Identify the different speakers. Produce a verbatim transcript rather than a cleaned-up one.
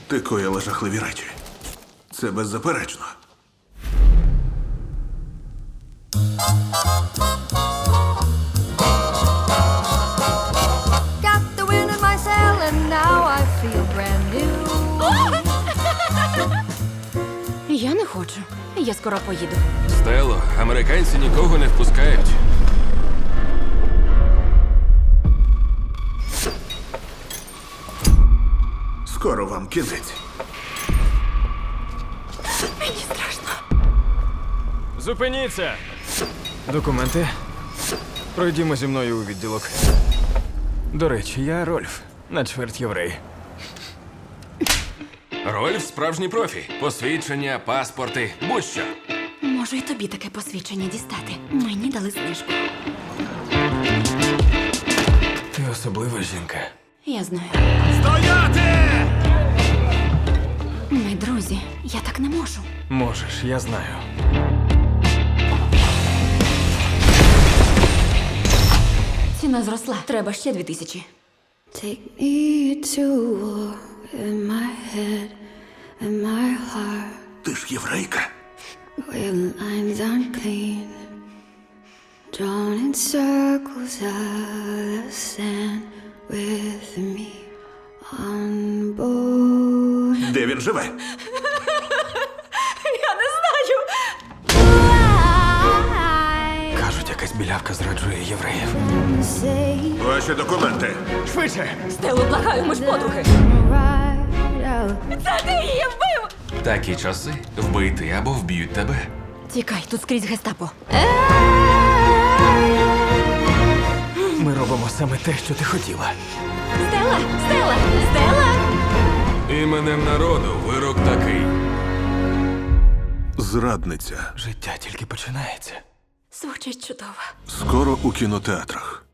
Speaker 1: Ти коїла жахливі речі. Це беззаперечно.
Speaker 2: Got the wind in my sail and now I feel brand new.
Speaker 3: Я не хочу. Я скоро поїду.
Speaker 4: Стело, американці нікого не впускають.
Speaker 1: Скоро вам кінець.
Speaker 3: Мені страшно.
Speaker 5: Зупиніться! Документи. Пройдімо зі мною у відділок. До речі, я Рольф, на чверть єврей.
Speaker 4: Рольф справжній профі. Посвідчення, паспорти, будь-що.
Speaker 3: Можу і тобі таке посвідчення дістати. Мені дали знижку.
Speaker 5: Ти особлива жінка.
Speaker 3: Я знаю.
Speaker 4: Стояти!
Speaker 3: Ми друзі. Я так не можу.
Speaker 5: Можеш, я знаю.
Speaker 3: Ціна зросла. Треба ще дві тисячі.
Speaker 2: Take me to war in my head and my heart.
Speaker 1: Ти ж єврейка.
Speaker 2: Where lines unclean, drawn in circles out of sand with me on board.
Speaker 1: Де він живе?
Speaker 3: Я не знаю.
Speaker 2: I
Speaker 5: Кажуть, якась білявка зраджує євреїв.
Speaker 2: say
Speaker 1: Ваші документи.
Speaker 5: Швидше!
Speaker 3: Стелу, благаю, ми ж подруги.
Speaker 2: right out.
Speaker 3: Це ти її вбив!
Speaker 4: Такі часи вбити або вб'ють тебе.
Speaker 3: Тікай, тут скрізь гестапо.
Speaker 5: Ми робимо саме те, що ти хотіла.
Speaker 3: Стела! Стела! Стела!
Speaker 4: Іменем народу вирок такий.
Speaker 1: Зрадниця.
Speaker 5: Життя тільки починається.
Speaker 3: Звучить чудово.
Speaker 1: Скоро у кінотеатрах.